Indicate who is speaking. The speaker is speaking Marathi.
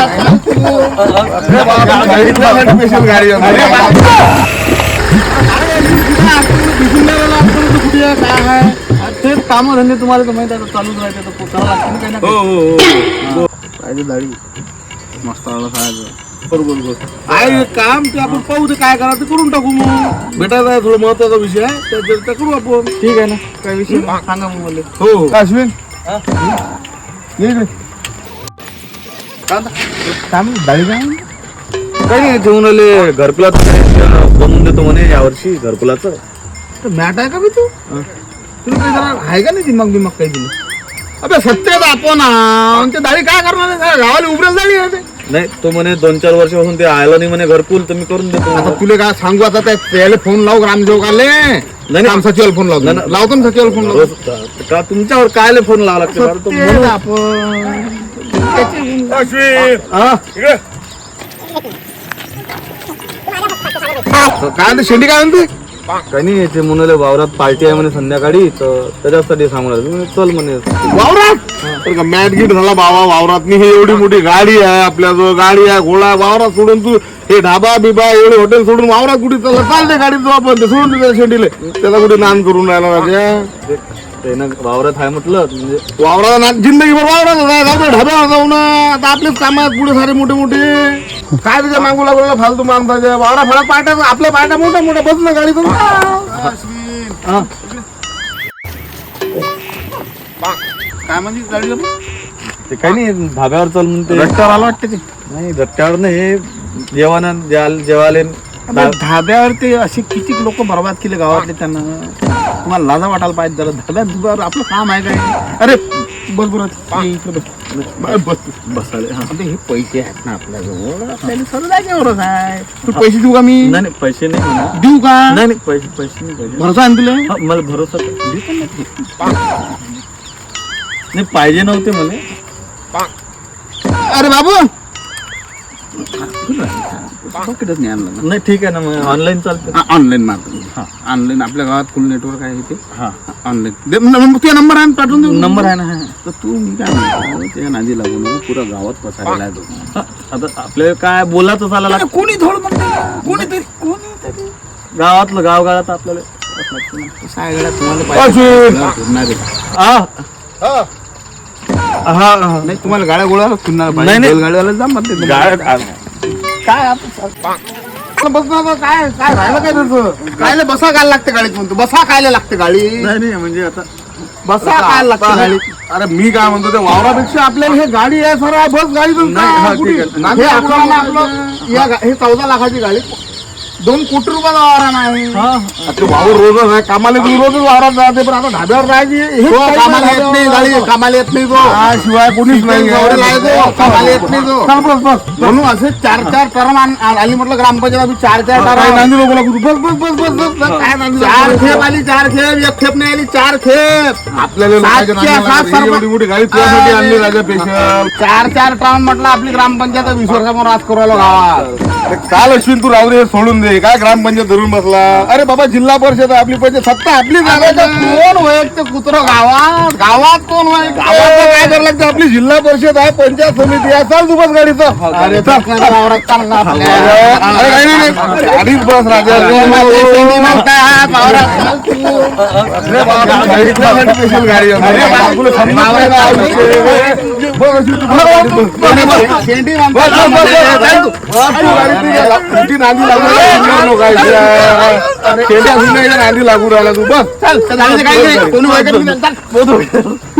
Speaker 1: स्पेशल गाडी
Speaker 2: तेच काम धंदे तुम्हाला तर माहिती आहे चालूच राहते तर पोचावं लागतं काही ना काही. पाहिजे दाढी मस्त आला खायचं.
Speaker 1: बरोबर आहे काम ते आपण पाहू ते काय करायचं ते करून टाकू मग भेटायचा आहे थोडा महत्वाचा विषय आहे त्या करू आपण.
Speaker 2: ठीक आहे ना काही विषय नाही. सांगा मग मला.
Speaker 1: हो हो
Speaker 3: अश्विन ये इकडे. काय म्हणतो दाढी काय म्हणतो?
Speaker 1: काही नाही ठेवून आले घरकुलाच बनवून देतो म्हणे यावर्षी घरकुलाचं.
Speaker 2: मॅट आहे का बी तू तुला काही जरा आहे का नाही दिमाग बिमाग काही दिलं.
Speaker 1: अबे सत्तेत आपण ते दाढी काय करणार आहे? गावाला उभरेल दाढी आहे ते. नाही तो म्हणे 2-4 वर्षापासून ते आलं नाही म्हणे घरकुल तर मी करून देतो.
Speaker 3: आता तुला काय सांगू आता त्याला फोन लावू ग्रामसेवकाले.
Speaker 1: नाही
Speaker 3: काम सचिवाला फोन लावतो. लावतो ना सचिवाला फोन लावतो.
Speaker 1: का तुमच्यावर कायले फोन लावा लागते बरं? तो म्हणून
Speaker 3: काय म्हणते शेंडी काय म्हणते?
Speaker 1: काही नाही ते म्हणाले वावरात पार्टी आहे म्हणे संध्याकाळी तर त्याच्यासाठी सांगू लागले. चल म्हणे
Speaker 3: वावरात मॅट गिट झाला बाबा वावरात. ही एवढी मोठी गाडी आहे आपल्याजवळ. गाडी आहे घोडा वावरात सोडून तू हे ढाबा बिबा एवढे हॉटेल सोडून वावरात कुठे चालला? चालते गाडीत आपण ते सोडून त्याच्या शेंडीले त्याला कुठे नान करून राहिला राजा.
Speaker 1: त्यानं वावरात आहे म्हटलं म्हणजे
Speaker 3: वावराचा नान जिंदगीभर वावरात जाऊ ढाब्यावर जाऊ ना. आता आपलेच काम आहेत पुढे सारे मोठे मोठे. काय तुझ्या मागू लागला फालतू माणसाच्या वावरा फळा पाट्या आपल्या पाट्या मोठ्या मोठ्या बस ना गाडीतून.
Speaker 2: काय म्हणजे गाडीला
Speaker 1: ते काही नाही धाब्यावर चल म्हणते.
Speaker 2: रट्ट्यावर आला वाटते ते.
Speaker 1: नाही रट्ट्यावर नाही जेवण जेवाले
Speaker 2: धाब्यावर ते असे किती लोक बर्बाद केले गावातले त्यांना. तुम्हाला लाजा वाटायला पाहिजे जरा धाब्यात आपलं काम आहे काय. अरे बस बरं इकडे बस बसाले. हे पैसे आहेत ना आपल्याजवळ आपल्याला सर्व जागेवरच आहे. तू पैसे देऊ का मी?
Speaker 1: नाही पैसे नाही म्हणा.
Speaker 2: देऊ का?
Speaker 1: नाही पैसे नाही पाहिजे.
Speaker 2: भरोसा आहे तुला?
Speaker 1: हा, मला भरोसा नाही पाहिजे नव्हते मला.
Speaker 2: अरे बाबू पॉकेटच नाही आणलं.
Speaker 1: नाही ठीक आहे ना मग ऑनलाईन चालतं.
Speaker 2: ऑनलाईन मारतो. ऑनलाईन आपल्या गावात फुल नेटवर्क आहे इथे.
Speaker 1: हा
Speaker 2: ऑनलाईन तुझा नंबर आहे पाठवून देऊ.
Speaker 1: नंबर आहे ना.
Speaker 2: तर तू मी काय म्हणतो त्या नादी लागू नको. पुरा गावात पसारला आहे तो.
Speaker 1: आता आपल्याला काय बोलायचं चालला लागतं.
Speaker 2: कोणी थोडं म्हणते कोणीतरी
Speaker 1: गावातलं गावात आपल्याला
Speaker 2: सायगड्यात तुम्हाला नाही तुम्हाला गाड्या गोळा फिरणार
Speaker 1: नाही, नाही.
Speaker 2: गाडीवाला जा म्हणते काय आपण बस ना काय काय राहिलं काय तुझं. कायला बसा काय लागते गाडीत म्हणतो. बसा कायला लागते गाडी.
Speaker 1: नाही म्हणजे आता
Speaker 2: बसा काय लागते गाडी.
Speaker 3: अरे मी काय म्हणतो त्या वावरापेक्षा आपल्याला हे गाडी आहे सर बस गाडीतून
Speaker 2: हे आपलं हे 14 लाखाची गाडी 2 कोटी रुपयाचा वारा नाही.
Speaker 3: वावर रोजच आहे कामाला तुम्ही रोजच वावरात जाते. पण आता ढाब्यावर राहायची
Speaker 2: कामाला येत नाही गाडी. कामाला येत नाही तो.
Speaker 3: शिवाय कोणीच नाही.
Speaker 2: कामाला येत नाही तो. म्हणून असे 4-4 टर्म आली म्हटलं ग्रामपंचायत 4-4 टर्म
Speaker 3: नांदी लोक लागू बस बस बस बस बस काय नांदी
Speaker 2: 4 खेप आली. 4 खेप एक खेप नाही आली 4 खेप.
Speaker 3: आपल्याला एवढी मोठी गाडी तुझ्यासाठी आणली राजा स्पेशल.
Speaker 2: 4-4 टर्म म्हटलं आपली ग्रामपंचायत 20 वर्षापासून राज करू राहिलो गावात.
Speaker 3: काल अश्विन तू राहू दे सोडून दे. काय ग्रामपंचायत धरून बसला. अरे बाबा जिल्हा परिषद आपली पाहिजे सत्ता आपली.
Speaker 2: कोण वैयक्तिक कुत्र गावात गावात कोण वैयक्तिक
Speaker 3: काय करायला लागतं. आपली जिल्हा परिषद आहे पंचायत समिती आहे. चाल तू बस गाडीचं.
Speaker 2: अरे वावरात चालला आपल्या.
Speaker 3: अरे काही नाही गाडीच बस राजा. स्पेशल गाडी नांदी लागू राहिला तू बस.
Speaker 2: कोणी